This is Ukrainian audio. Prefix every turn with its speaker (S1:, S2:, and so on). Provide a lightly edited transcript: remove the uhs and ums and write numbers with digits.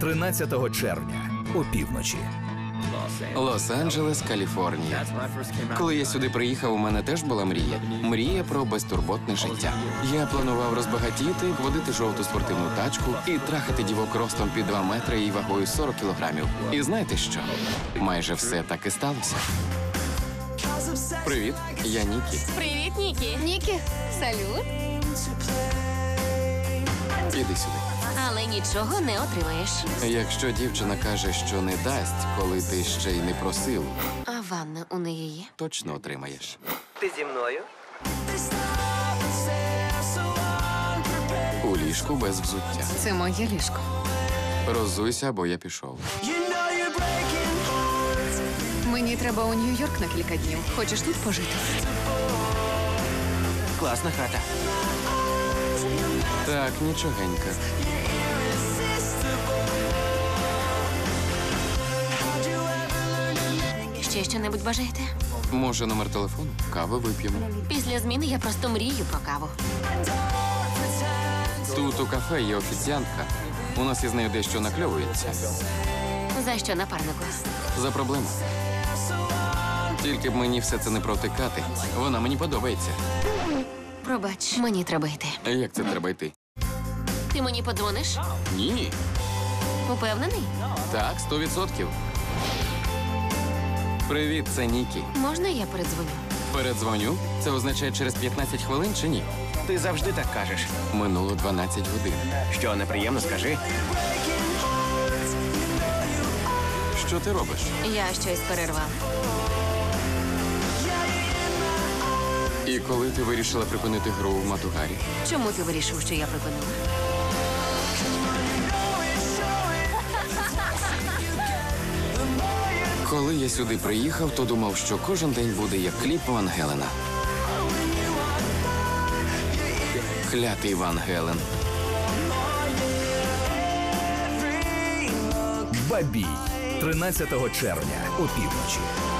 S1: 13 червня опівночі.
S2: Лос-Анджелес, Каліфорнія. Коли я сюди приїхав, у мене теж була мрія. Мрія про безтурботне життя. Я планував розбагатіти, водити жовту спортивну тачку і трахати дівок ростом під 2 метри і вагою 40 кілограмів. І знаєте що? Майже все так і сталося. Привіт, я Нікі.
S3: Привіт, Нікі.
S4: Нікі, салют.
S2: Іди сюди.
S3: Але нічого не отримаєш.
S2: Якщо дівчина каже, що не дасть, коли ти ще й не просив,
S3: А ванна у неї є?
S2: точно отримаєш.
S5: Ти зі мною?
S2: У ліжку без взуття.
S4: Це моє ліжко.
S2: Роззуйся, або я пішов.
S4: Мені треба у Нью-Йорк на кілька днів. Хочеш тут пожити?
S5: Класна хата.
S2: Так, нічогенька.
S3: Ще що-небудь бажаєте?
S2: Може, номер телефону? Кави вип'ємо.
S3: Після зміни я просто мрію про каву.
S2: Тут у кафе є офіціантка. У нас із нею дещо накльовується.
S3: За що, напарнику?
S2: За проблему. Тільки б мені все це не провтикати. Вона мені подобається.
S3: Пробач, мені треба йти.
S2: Як це треба йти?
S3: Ти мені подзвониш?
S2: Ні.
S3: Упевнений?
S2: Так, 100%. Привіт, це Нікі.
S3: Можна я передзвоню?
S2: Передзвоню. Це означає через 15 хвилин чи ні?
S5: Ти завжди так кажеш.
S2: Минуло 12 годин.
S5: Що, неприємно, скажи?
S2: Що ти робиш?
S3: Я щось перервав.
S2: І коли ти вирішила припинити гру в Матугарі?
S3: Чому ти вирішив, що я припинила?
S2: Коли я сюди приїхав, то думав, що кожен день буде як кліп Ван Гелена. Клятий Ван Гелен.
S1: Бабій. 13 червня опівночі.